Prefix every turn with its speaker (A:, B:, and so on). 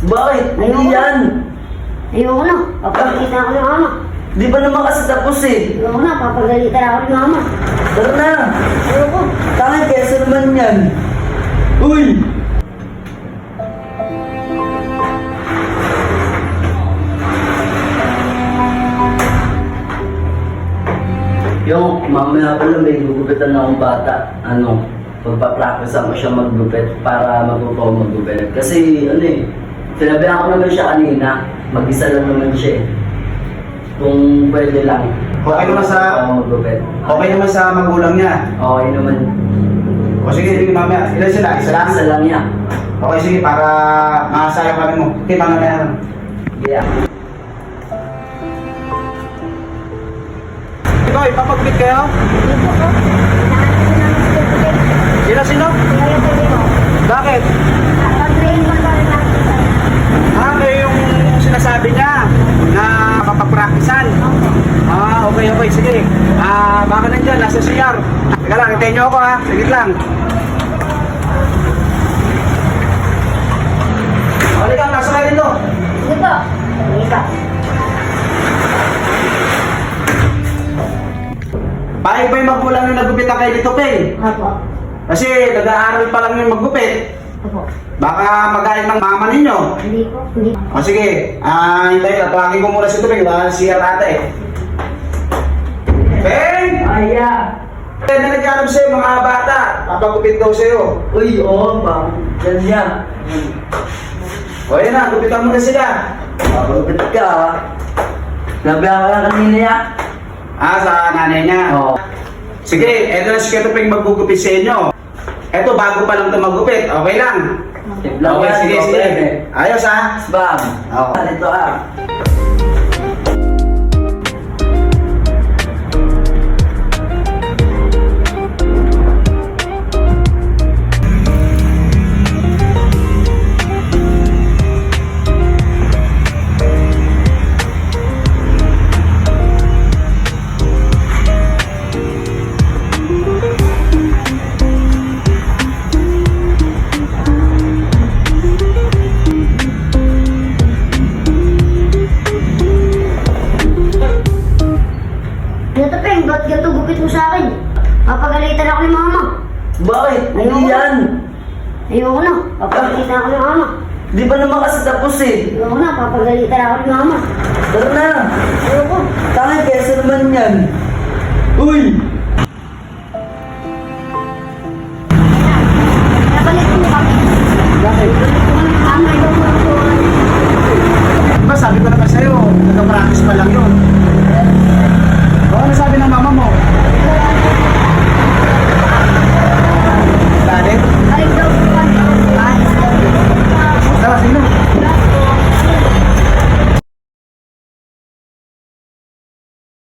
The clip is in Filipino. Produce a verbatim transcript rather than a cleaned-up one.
A: Bakit?
B: Ayoko.
A: Hindi yan.
B: Ayoko na. Papagalitan ako ng mama.
A: Di ba naman kasi tapos eh?
B: Ayoko na. Papagalitan ako ng mama.
A: Tara na.
B: Ayoko.
A: Tangin, keso naman yan. Uy! Yung mamaya pala may gugupitan na akong bata. Ano, magpa-practice ako siya maggupit para matuto ako maggupit. Kasi ano eh, sinabihan ko naman siya kanina, mag-isa lang naman siya eh. Kung pwede lang.
C: Okay naman sa-
A: ako maggupit.
C: Okay naman sa magulang niya.
A: Okay naman.
C: O sige, sige mamaya. Ilan sila? Isa lang?
A: Isa lang niya.
C: Okay, sige, para makasaya kami mo. Okay, mamaya.
A: Yeah.
C: Ikaw, ipapagpit kayo?
B: Ayoko ko.
C: Sino, sino?
B: Ayoko ko.
C: Bakit?
B: Pag-train ko pa rin ako.
C: Ah, kayo yung sinasabi niya na mapapraktisan. Ah, okay, okay, sige. Ah, baka nandyan, nasa C R. Teka lang, hintayin niyo ako ha. Sige lang. Halika, nasa kayo dito.
B: Sige po. Isa.
C: Pahay ba yung magulang yung nagupit na kayo dito, Peng?
B: Opo.
C: Kasi nag-aaral pa lang yung maggupit.
B: Opo.
C: Baka magaling ng mama ninyo.
B: Hindi po. Hindi.
C: O sige, ah, hintayin ka. Tawagin ko muna si Tupeng. Baka C R ata eh. Peng!
A: Aya!
C: Peng na nagkaroon sa'yo mga bata. Papagupit daw sa'yo.
A: Uy, oo ba? Yan niya.
C: O yan na, gupitan mo na sila.
A: Mabagupit ka ha. Nabihan ka lang kanina ya.
C: Ah, sa nanay niya.
A: Oo.
C: Sige, eto na si Tupeng maggugupit sa inyo. Eto, bago pa lang ito maggupit. Okay lang.
A: Tiplang
C: Okay,
A: yan,
C: sige,
A: okay.
C: sige. Ayos ha?
A: Bam!
C: Oo.
A: Ito ah.
B: Ito, Peng. Ba't ganito gupit mo sa akin? Papagalitan ako ng mama.
A: Bakit? Hindi
B: Ayoko.
A: yan.
B: Ayoko na. Papagalitan ako ng mama.
A: Di ba naman kasi tapos eh?
B: Ayoko na. Papagalitan ako ng mama.
A: Tara na.
B: Ayoko.
A: Tangin, keso naman yan. Uy!